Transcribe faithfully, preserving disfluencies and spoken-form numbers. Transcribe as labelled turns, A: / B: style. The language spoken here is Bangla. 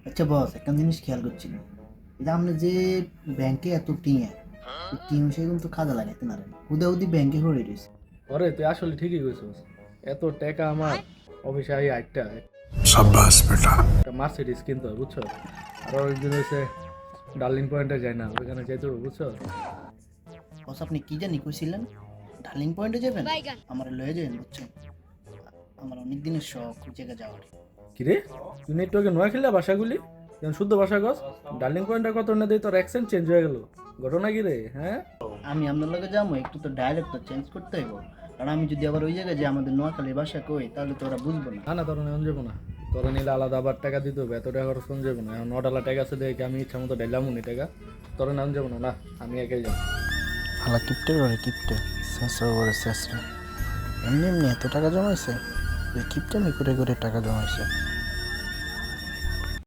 A: আচ্ছা বস, একটা জিনিস খেয়াল করছি না, এটা আপনি যে ব্যাংকে এত টিয়া টিম সে কিন্তু কাজে লাগাইতে না হুদা হুদি ব্যাংকে হয়ে রয়েছে।
B: ওরে তুই আসলে ঠিকই কইছিস। এত টাকা আমার অফিসে আই আটটা
C: शाबाश बेटा।
B: একটা মার্সিডিস কিনতে হয় বুঝছো। আর অনেকদিন হয়েছে ডার্লিং পয়েন্টে যাই না, ওইখানে যাইতে হবে বুঝছো।
A: বস আপনি কি জানি কইছিলেন ডার্লিং পয়েন্টে যাবেন? আমার লয়ে যাবেন বুঝছেন, আমার অনেক দিনের শখ ওই জায়গায় যাওয়ার।
B: কিরে তুই একটু আগে নোয়া খেললা ভাষাগুলি যেমন শুদ্ধ ভাষা গছ। ডার্লিং পয়েন্টের কত না দিয়ে তোর অ্যাকসেন্ট চেঞ্জ হয়ে গেল, ঘটনা কি রে? হ্যাঁ
A: আমি আপনার লগে যাবো, একটু তো ডায়ালেক্টটা চেঞ্জ করতে হইব, কারণ আমি যদি আবার ওই জায়গায় যে আমাদের নোয়াখালীর ভাষা কই তাহলে তো ওরা বুঝবো না।
B: না না তোর নেওয়া যাবো না, তোর নিলে আলাদা আবার টাকা দিতে হবে, এত টাকা খরচ কোন যাবো না। এখন নটালা টাকা আছে দেখে আমি ইচ্ছা মতো ডাইলাম নি টাকা, তোর নেওয়া যাবো না। না আমি একাই যাবো।
D: হালা কিপটে করে কিপটে শেষরা করে শেষরা এমনি এমনি এত টাকা জমাইছে, ওই কিপটে আমি করে করে টাকা জমাইছে।